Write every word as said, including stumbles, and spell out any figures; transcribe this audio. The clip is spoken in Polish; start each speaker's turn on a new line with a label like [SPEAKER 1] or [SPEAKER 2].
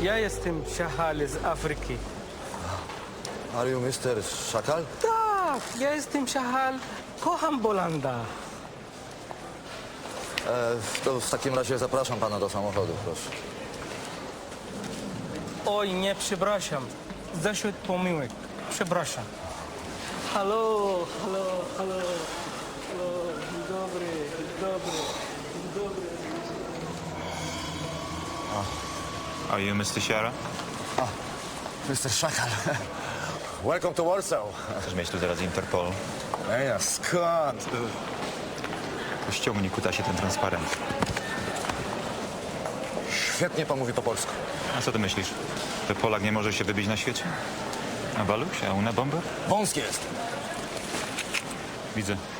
[SPEAKER 1] Ja jestem Szakal z Afryki.
[SPEAKER 2] Are you mister Szakal?
[SPEAKER 1] Tak, ja jestem Szakal. Kocham Bolanda.
[SPEAKER 2] E, to w takim razie zapraszam pana do samochodu, proszę.
[SPEAKER 1] Oj, nie, przepraszam. Zaszedł pomyłek. Przepraszam. Halo, halo, halo. Halo, dzień dobry, dzień dobry, dzień dobry.
[SPEAKER 3] Are you mister Shara?
[SPEAKER 2] mister Szakal. Welcome to Warsaw.
[SPEAKER 3] Chcesz mieć tu zaraz Interpol?
[SPEAKER 2] Ej, a skąd?
[SPEAKER 3] Ściągnij kutasie ten transparent.
[SPEAKER 2] Świetnie pan mówi po polsku.
[SPEAKER 3] A co ty myślisz? Że Polak nie może się wybić na świecie? A Waluś? A una bomber?
[SPEAKER 2] Wąski jest.
[SPEAKER 3] Widzę.